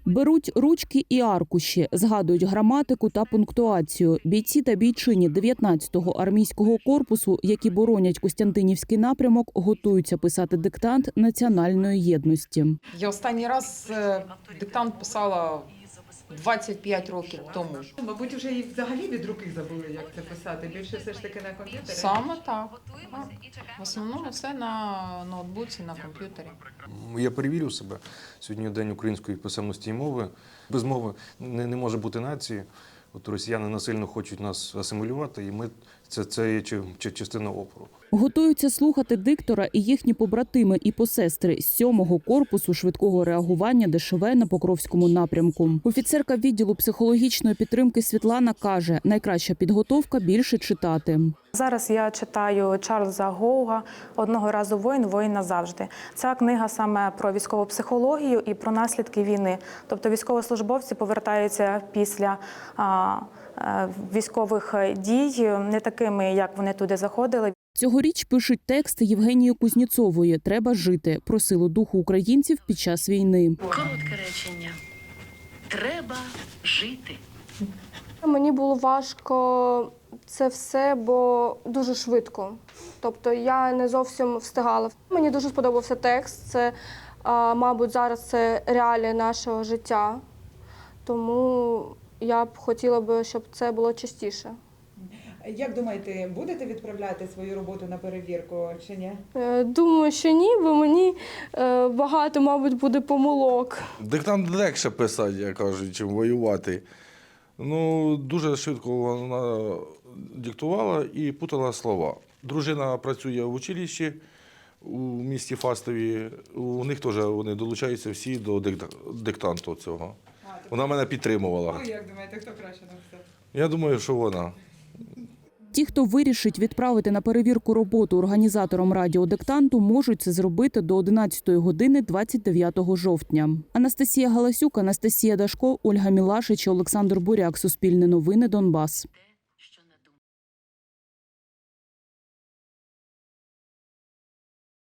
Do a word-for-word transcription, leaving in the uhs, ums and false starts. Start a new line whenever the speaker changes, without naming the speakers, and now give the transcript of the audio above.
Беруть ручки і аркуші, згадують граматику та пунктуацію. Бійці та бійчині дев'ятнадцятого армійського корпусу, які боронять Костянтинівський напрямок, готуються писати диктант національної єдності.
Я останній раз диктант писала двадцять п'ять років тому.
Мабуть, вже і взагалі від руки забули, як це писати. Більше все ж таки на комп'ютері?
Саме так. В основному все на ноутбуці, на комп'ютері.
Я перевірю себе. Сьогодні день української писемності і мови. Без мови не, не може бути нації. От росіяни насильно хочуть нас асимілювати, і ми це, це є чи, чи частина опору.
Готуються слухати диктора і їхні побратими і посестри з сьомого корпусу швидкого реагування Де Ше Ве на Покровському напрямку. Офіцерка відділу психологічної підтримки Світлана каже, найкраща підготовка – більше читати.
Зараз я читаю Чарльза Гоуга «Одного разу воїн, воїн назавжди». Ця книга саме про військову психологію і про наслідки війни. Тобто військовослужбовці повертаються після а, а, військових дій не такими, як вони туди заходили.
Цьогоріч пишуть текст Євгенії Кузнєцової «Треба жити» про силу духу українців під час війни.
Коротке речення. Треба жити.
Мені було важко це все, бо дуже швидко. Тобто я не зовсім встигала. Мені дуже сподобався текст. Це, мабуть, зараз це реалії нашого життя. Тому я б хотіла б, щоб це було частіше.
Як думаєте, будете відправляти свою роботу на перевірку чи ні?
Думаю, що ні, бо мені багато, мабуть, буде помилок.
Диктант легше писати, як кажуть, чим воювати. Ну, дуже швидко вона диктувала і путала слова. Дружина працює в училищі у місті Фастові. У них теж вони долучаються всі до диктанту цього. Вона мене підтримувала.
Ви як думаєте, хто краще написав?
Я думаю, що вона.
Ті, хто вирішить відправити на перевірку роботу організаторам радіодиктанту, можуть це зробити до одинадцятої години двадцять дев'ятого жовтня. Анастасія Галасюк, Анастасія Дашко, Ольга Мілашич, Олександр Буряк. Суспільне новини, Донбас.